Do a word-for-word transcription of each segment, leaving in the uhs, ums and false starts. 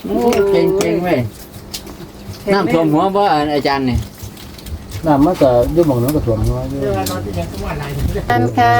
โอ้เก่งเก่งเว้ยน้ำท่วมหัวบ่อาจารย์นี่น้ำมันก็ยุ่งหมองนั้นก็ท่วมหัวอยู่กันค่ะ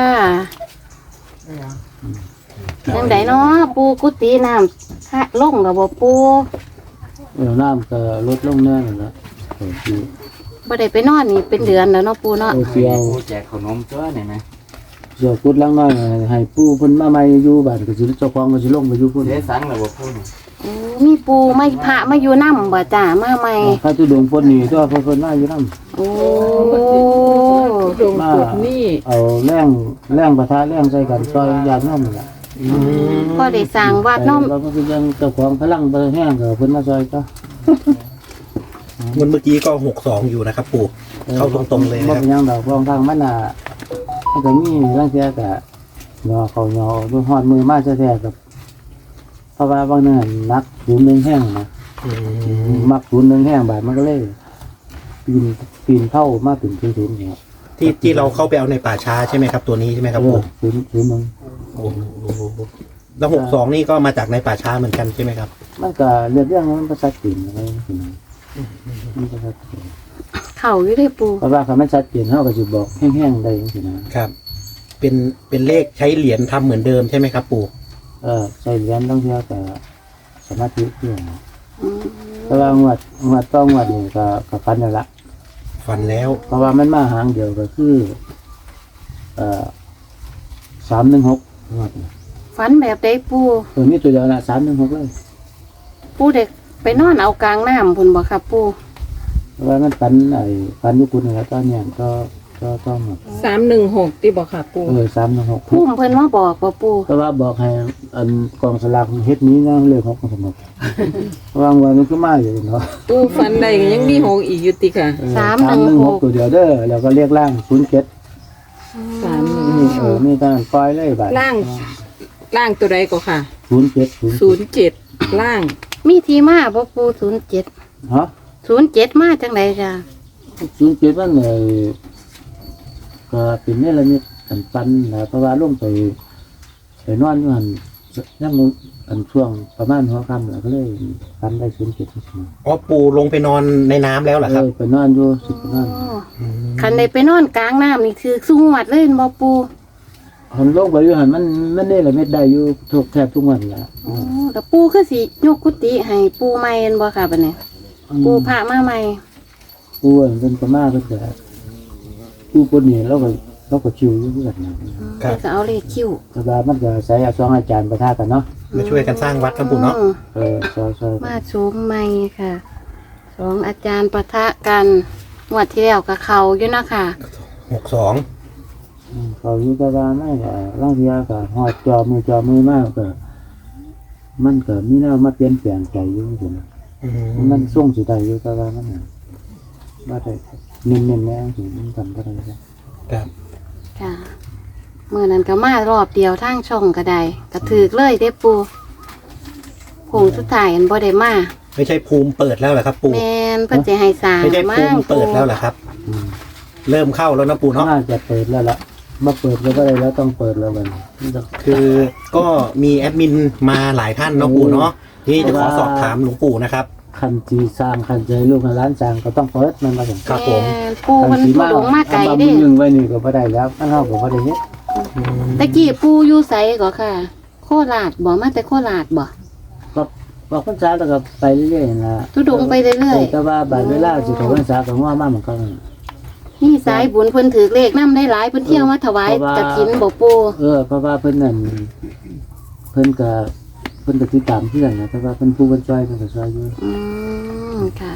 ยังไดเนาะปูกุฏิน้ำฮะลงกับบ่ปูเออน้ำก็ลดลงแน่นอนละบ่ได้ไปนอนนี่เป็นเดือนแล้วเนาะปูเนาะเสียวแจกขนมตัวนี่ไหมเสียวกุดลังน้อยให้ปูเพิ่นมาใหม่อยู่บ้านก็สิเจ้าของก็สิลงไปอยู่พุ่นเสียสังแล้วบ่ปูนี่โอ้มีปูไม่พระมาอยู่นำบ่จ้ามาใหม่พระตุดงเพิ่นนี่ตัวเพิ่นมาอยู่นำโอ้ตุดงเพิ่นนี่เอาแรงแรงปะทะแรงใส่กันซอยญาติโยมนั่นล่ะก็ได้สร้างวัดเนาะเราก็คือยังเจ้าของพลังบ่แห้งก็เพิ่นมาซอยก็มันเมื่อกี้ก็หกสองอยู่นะครับปู่เข้าตรงๆเลยนะครับบ่เป็นหยังดอกรองทางมันน่ะมันก็มีลางเที่ยก็ยอเขายอด้วยฮอดมือมาแท้ๆกับเพราะว่าบางเนื่อนักศูนย์หนึ่งแห้งนะมักศูนย์หนึ่งแห้งบาดมันก็เลยปีนปีนเข้ามาถึงศูนย์ศูนย์เนี่ยที่ที่เราเข้าไปเอาในป่าช้าใช่ไหมครับตัวนี้ใช่ไหมครับปู่ศูนย์ศูนย์หนึ่งโอ้โหแล้วหกสองนี่ก็มาจากในป่าช้าเหมือนกันใช่ไหมครับมันก็เรื่องเรื่องมันภาษาจีนอะไรนี่มันภาษาจีนเข่าอยู่ได้ปูเพราะว่าคำมันชัดเจนเขาก็จะบอกแห้งๆได้ยังไงนะครับเป็นเป็นเลขใช้เหรียญทำเหมือนเดิมใช่ไหมครับปู่เออใช้เหรียญต้องเที่ยวแต่สมาธิเที่ยวเพราะว่างวดงวดต้องงวดนี่ก็ก็ฟันแล้วละฟันแล้วเพราะว่ามันมาหางเดียวก็คือเอ่อสามหนึ่งหกงวดฟันแบบใดปูเออมีตัวเดียวละสามหนึ่งหกเลยปูเด็กไปนอนเอากลางน้ำพุ่นบ่ครับปูเพราะว่ามันฟันไอ้ฟันยุคุณแล้วตอนนี้ก็ก็ต้องสามหนึ่งหกที่บอกค่ะปูเออสามหนึ่งหกพุ่มเพิ่นว่าบอกบ่ปูเพราะว่าบอกให้อันกองสลากเฮ็ดนี้นะเลขหกสมบัติเพราะว่าวันมันก็มาอยู่เนาะปูฟันใดยังมีหกอีกอยู่ติค่ะสามหนึ่งหกตัวเดียวเด้อแล้วก็เรียกล่างศูนย์เจ็ดสามเออมีการปล่อยเลยบัดล่างล่างตัวใดก็ค่ะศูนย์เจ็ดศูนย์เจ็ดล่างมีที่มาบ่ปูศูนย์เจ็ดฮะศูนย์เจ็ดมาจังไดจ้ะศูนย์เจ็ดมันเลยก็เป็นนี่ละนิดกันปันนะเพราะว่าลงไปไปนอนอยู่หันนั่งอันช่วงประมาณหัวค่ำแล้วก็เลยปันได้ศูนย์เจ็ดอ๋อปู่ลงไปนอนในน้ำแล้วเหรอครับไปนอนอยู่สิบนอนคันใดไปนอนกลางน้ำนี่คือสู้หวัดเลยบ่ปูหันลงไปอยู่หันมันมันนี่ละเม็ดได้อยู่ทุกแทบทุกวันละอ๋อแต่ปูคือสิยกกุฏิให้ปูใหม่บ่ค่ะบัดนี้ปูพระมาใหม่ปูเป็นประมาณก็จะปูคนนี้เราก็เราก็ชิวอยู่ด้วยกันนะก็เอาเลขคิวแต่ว่ามันก็ใส่สองอาจารย์ประทากันเนาะมาช่วยกันสร้างวัดครับปู่เนาะเออใช่ใช่มาชมใหม่ค่ะสองอาจารย์ประทะกันงวดที่แล้วกับเขาอยู่นะค่ะหกสองเขาอยู่แต่ว่าไม่ก็ร่างเทียก็หอดจอมือจอมือมากก็มันก็มีแนวมาเปลี่ยนแปลงใจอยู่เหมือนกันมันส่งสุดใจอยู่แต่ว่ามันมาได้เน้นๆแน่ถึงกันก็ได้ครับค่ะเมื่อนั้นก็มารอบเดียวทางช่องก็ได้ก็ถือเลยเด้ปูผงสุดท้ายอันบ่ได้มาไม่ใช่ภูมิเปิดแล้วเหรอครับปู่แมนเพื่อจะให้สร้างไม่ใช่ภูมิเปิดแล้วเหรอครับเริ่มเข้าแล้วนะปู่เนาะน่าจะเปิดแล้วล่ะมาเปิดแล้วก็ได้แล้วต้องเปิดแล้วมันคือก็มีแอดมินมาหลายท่านเนาะปู่เนาะที่จะขอสอบถามหลวงปู่นะครับคันจีสร้างคันใจลูกร้านสร้างก็ต้องเปิดมันมาถึงครับผมปูมันปูหลงมากไกลดิหนึ่งไว้นี่ก็ไม่ได้แล้วมันเท่ากับไม่ได้เนี้ยตะกี้ปูอยู่ไสก็ค่ะโคราชบ่มาแต่โคราชบ่ก็บอกพรรษาแล้วก็ไปเรื่อยๆนะทุดงไปเรื่อยๆแต่ว่าบาดเวลาสิของพรรษาของว่ามาเหมือนกันนี่สายบุญเพิ่นถือเลขนำได้หลายเพิ่นเที่ยวมาถวายกฐินบ่ปูเออเพราะว่าเพิ่นนั่นเพิ่นก็เพิ่นก็ติดตามเพื่อนนะแต่ว่าเพิ่นผู้เพิ่นช่วยเพิ่นก็ช่วยอยู่อืมค่ะ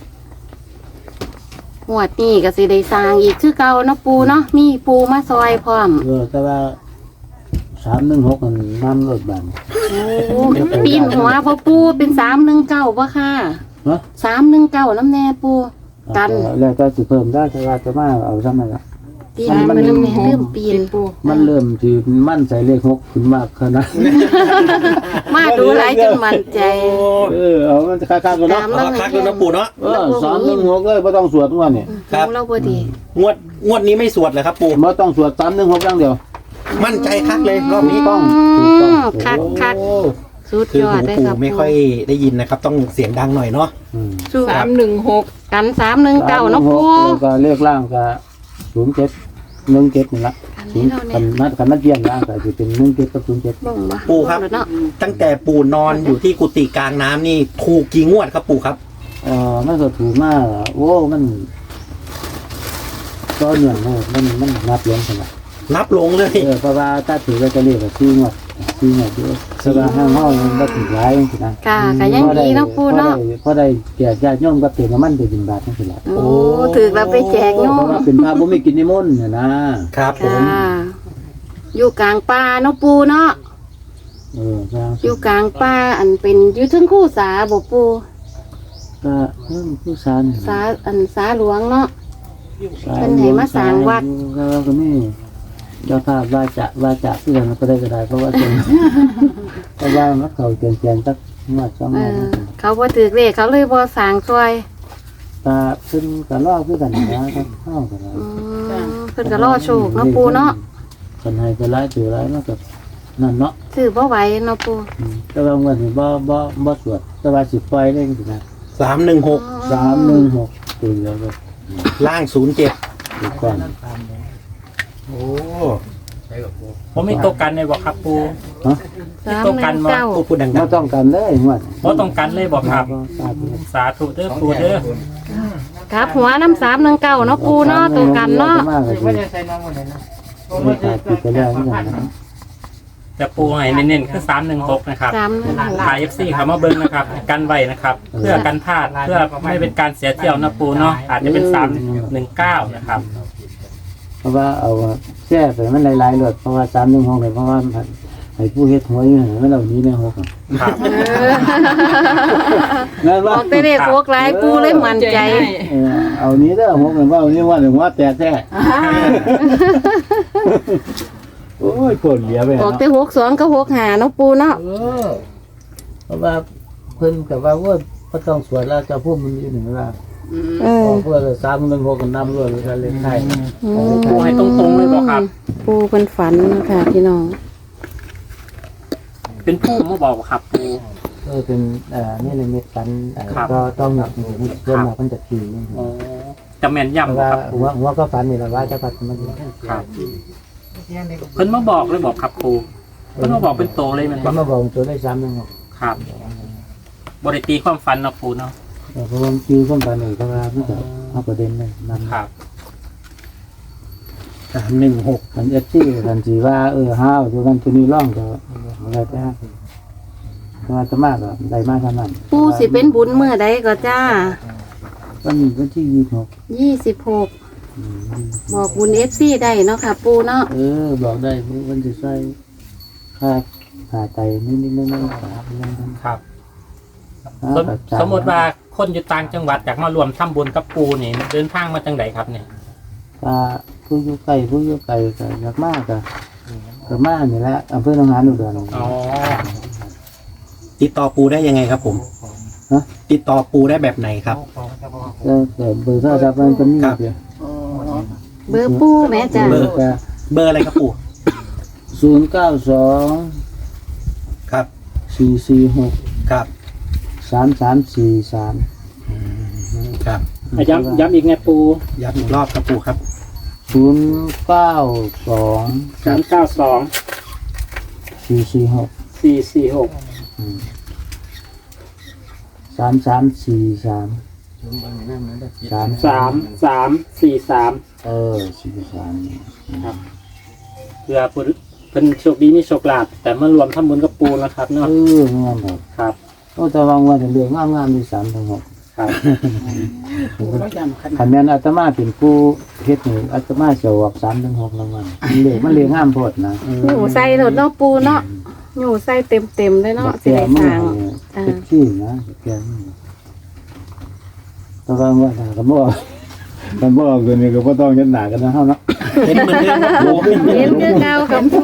งวดนี้ก็สิได้สร้างอีกคือเก่าเนาะปูเนาะมีปูมาซอยพร้อมเออแต่ว่าสามหนึ่งหกมันน้ำลดบังโอ้ปีนหัวพ่อปูเป็นสามหนึ่งเก้าป่ะค่ะฮะสามหนึ่งเก้าน้ำแน่ปูกันแล้วก็สิเพิ่มได้แต่ว่าจะมาเอาซ้ำนั่นละมันเริ่มเริ่มปีนปูมันเริ่มที่มั่นใจเลขหกขึ้นมากขนาดมาดูหลายจนมั่นใจเออเอามันจะคักๆกันเนาะคักๆกันนะปู่เนาะเออสามหนึ่งหกเลยไม่ต้องสวดงวดนี่ครับเราพอดีงวดงวดนี้ไม่สวดเลยครับปู่ไม่ต้องสวดสามหนึ่งหกอย่างเดียวมั่นใจคักเลยรอบนี้ต้องคักคักสุดคือยอหูดได้ปู่ครับไม่ค่อยได้ยินนะครับ ต้องเสียงดังหน่อยเนาะอืมสู้สามหนึ่งหกกันสามหนึ่งเก้าเนาะปูแล้วก็เลขล่างก็ศูนย์เจ็ดหนึ่งเจ็ดนี่ละกันศูนี้นย์เรากัเนี่นยนัดกันนัดเยี่ยมล่างก็จะเป็นหนึ่งเจ็ดกับศูนย์เจ็ดบ่งบ่ปู่ครับงเนาะตั้งแต่ปู่นอนอยู่ที่กุฏิกลางน้ำนี่ถูกกี่งวดครับปู่ครับเออมันก็ถูกมากโอ้มันก็เหนื่อยเลยมันมันนับเลี้ยงขนาดนับลงเลยเออเพราะว่าถ้าถือก็จะเรียกว่าซีงวดซีงวดเยอะแต่ว่าห้างห้องมันก็ถือร้ายจังซี่นะกะกะยังดีเนาะปูเนาะเพราะได้แก่ญาติโยมก็เปลี่ยนน้ำมันไปบินบาทนั่นสิแหละโอ้ถือแล้วไปแจกโยเพราะมว่าเป็นพระบ่มีกินนิมนต์เนี่ยนะครับผมค่ะอยู่กลางป่าเนาะปูเนาะเออก็อยู่กลางป่าอันเป็นอยู่ถึงคู่สาบ่ปูก็เพิ่มผู้สารสาอันสาหลวงเนาะ เพิ่นให้มาสร้างวัดก็ก็มีเจ้าภาพว่าจะว่าจะเพื่อนก็ได้ก็ได้เพราะว่าเป็น เพราะว่ามันเขาเกียนเกียนสักงวดสองเองวดอเขาบ่ถือเลขเขาเลยบ่สร้างช่วยตาขึ้นก็ลอกคือกันนะครับเข้ากันอืมเพิ่นก็รอโชคเนาะปูเนาะคนให้ก็ร้ายถือร้ายมันก็นั่นเนาะถือบ่ไหวเนาะปูอืมแต่ว่าเงินบ่บ่บ่สวดแต่ว่าสิปล่อยได้สินะสามหนึ่งหกสามหนึ่งหกตัวเดียวเลยล่างศูนย์เจ็ดถูกก่อนโอ้ผมมีตัวกันเลยบอกครับปูฮะสามหนึ่งเก้าพูดดังบ่ต้องกันเลยงวดเพราะต้องกันเลยบอกครับสาธุสาธุเด้อปูเด้อครับหัวน้ำสามหนึ่งเก้าเนาะปูเนาะตัวกันเนาะไม่ได้ใส่น้องคนไหนนะไม่ขาดติดไปแล้วนี่กันนะแต่ปูให้เน้นๆคือสามหนึ่งหกนะครับสามหนึ่งหกถ่ายเอฟซีเขามาเบิ้งนะครับ กันไว้นะครับ เพื่อกันพลาดเพื่อไม่เป็นการเสียเที่ยวนะปูเนาะอาจจะเป็นสามหนึ่งเก้านะครับเพราะว่าเอาแช่ไปมันหลายๆเลยเพราะว่าสามหนึ่งหกเลยเพราะว่าให้ผู้เฮ็ดหวยอยู่มันเหล่านี้ในหกครับนั่นบว่าอกแต่เลขโคกหลายปูเลยมั่นใจเอานี้เด้อหกเหมือนว่าเอานี้ว่าหนึ่งว่าแตกแท้โอ้ยกดเหลียไปบอกแต่หกสองก็หกหาเนาะปูเนาะเออเพราะว่าเพิ่นกับว่าว่าก็ต้องสวดแล้วจะพูดมันอยู่หนึ่งว่าเออเพื่อสามหนึ่งหกกันนำรวดเลยเลขไทยอืมปูให้ตรงๆเลยบอกครับปูเป็นฝันค่ะพี่น้องเป็นผู้มาบอกครับปูเออเป็นเอ่อนี่เลยเม็ดฟันเอ่อครับก็ต้องหนักหนึ่งเริ่มหนักมันจะขี่นี่อ๋อจะแม่นเพราะยำว่าครับปูหัวหัวก็ฟันนี่แหละว่าจะปัดมันครับเพิ่นมาบอกเลยบอกครับปูเพิ่นมาบอกเป็นโตเลยแมันบมัอน กมาบอกตัวได้สามหนึ่งหกครับบริตีความฝันเนาะปูเนาะแต่เพราะว่าคือข้อมฟันนี่เพราะว่ามันจะเอาประเด็นเลยนั่นครับสามหนึ่งหกมันเอฟซีกันสีว่าเออห้าวตัวกันตัวนี้ร่องก็อะไรไปฮะเพราะว่าจะมากก็ได้มากเท่านั้นปูสิเป็นบุญเมื่อใดก็จ้าวันวันที่ยี่สิบหกยี่สิบหกบอกบุญเอฟซีได้เนาะค่ะ ปูเนาะเออบอกได้วันที่ใส่ค่าผ่าไตนิดนิดนิดนิดครับเรื่องนั้นครับอ่าสมแบบจ่ายสมมติว่าคนอยู่ต่างจังหวัดอยากมารวมทำบุญกับปูนี่เดินทางมาจังไดครับเนี่ยอ่าผู้อยู่ไกลผู้อยู่ไกลก็อยากมากก็ก็มากนี่แหละอำเภอหนองหานอุดรอ๋อติดต่อปูได้ยังไงครับผมฮะติดต่อปูได้แบบไหนครับก็แต่เบอร์โทรศัพท์มันก็มีครับเดียวเบอร์ปูแม่จ้าเบอร์ก็เบอร์อะไรครับปูศูนย์เก้าสองครับสี่สี่หกครับสามสามสี่สามครับย้ำย้ำอีกไงปูย้ำอีกรอบครับปูครับศูนย์เก้าสองศูนย์เก้าสองสี่สี่หกสี่สี่หกสามสามสี่สามสามสามสามสี่สามเออสี่สามครับเพื่อผู้เพิ่นโชคดีมีโชคลาภแต่มารวมทำบุญกับปูนะครับเอเนาะองามแบบครับโอ้แต่วางวันเรื่องงามงามๆมีสามทั้งหกครับขันแม่นอาตมาเป็นผู้เฮ็ดนี่อาตมาจะออกสามถึงหกรางวัลมันเลขมันเลขงามโพดนะหนูใส่รถเนาะปูเนาะหนูใส่เต็มเต็มๆเลยเนาะสิแก่ได้มืสร้างอเป็นขี้นะแก่มือแต่วางวันหนาก็บ่กันบ่เกินนี่ก็บ่ต้องยันหนากันนะเฮาเนาะเห็นเหมือนเดิมครับปูเห็นคือเก่ากับปู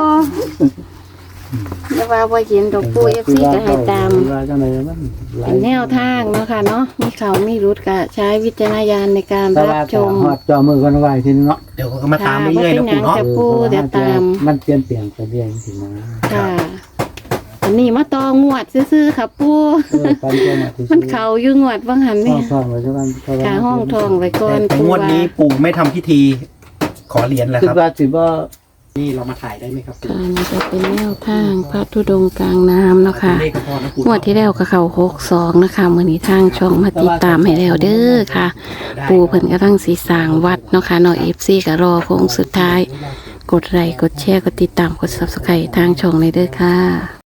แต่ว่าบ่เห็นดอกปูเอฟซีก็ให้ตามว่าจังไดมันหลาเป็ยนแนวทางเนาะค่ะเนาะมีเขามีรุดก็ใช้วิจารณญาณในการแต่รัว่าบชมฮอดจอมือกันไว้ทีนึงเนาะเดี๋ยวก็มาตามเรื่อยๆนะปูเนาะแต่ปูเดี๋ยวตามมันเปลี่ยนเปลี่ยนไปเรื่อยจริงๆนะค่ะอันนี้มาตองวดซื่อๆค่ะปูเออปันตัวมาที่มันเข่าอยู่งวดบางหันห้นี่องทองไว้ซะกันเพราะว่าขาห้องทองไว้ก่อนแต่งวดนี้ปู่ไม่ทำพิธีขอเหรียญแล้วคิดครับว่าสิบ่นี่เรามาถ่ายได้ไหมครับปู่ค่ะนี่จะเป็นแนวทางพระธุดงค์กลางน้ำเนาะค่ะเลขก็พอนะปู่งวดที่แล้วก็เข้าหกสองนะคะมื้อนี้ทางช่องมาติดตามให้แล้วเด้อค่ะ ปูเพิ่นกำลังสีสร้างวัดเนาะค่ะเนาะ เอฟ ซี ก็รอโค้งสุดท้าย กดไลค์กดแชร์กดติดตามกด ซับสไครบ์ ทางช่องเลยเด้อค่ะ